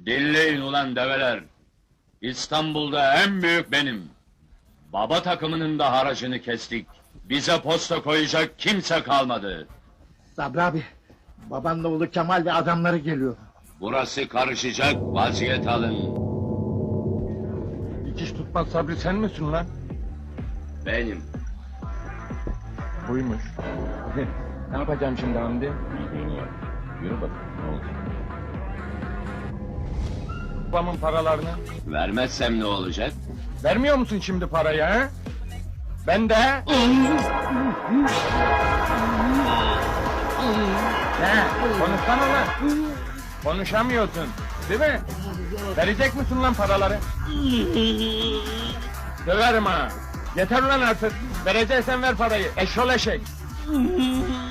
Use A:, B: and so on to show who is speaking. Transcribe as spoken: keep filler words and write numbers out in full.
A: Dinleyin ulan develer! İstanbul'da en büyük benim! Baba takımının da haracını kestik! Bize posta koyacak kimse kalmadı!
B: Sabri abi, babanla oğlu Kemal ve adamları geliyor.
A: Burası karışacak, vaziyet alın!
C: Dikiş tutmaz Sabri sen misin lan?
A: Benim!
C: Buymuş. Ne yapacağım şimdi Hamdi? Yürü bak, ne olacak? Babamın paralarını.
A: Vermezsem ne olacak?
C: Vermiyor musun şimdi parayı ha? Ben de. Ne? Konuşsana lan. Konuşamıyorsun, değil mi? Verecek misin lan paraları? Döverim ha. Yeter lan artık. Vereceksen ver parayı. Eşşol eşek.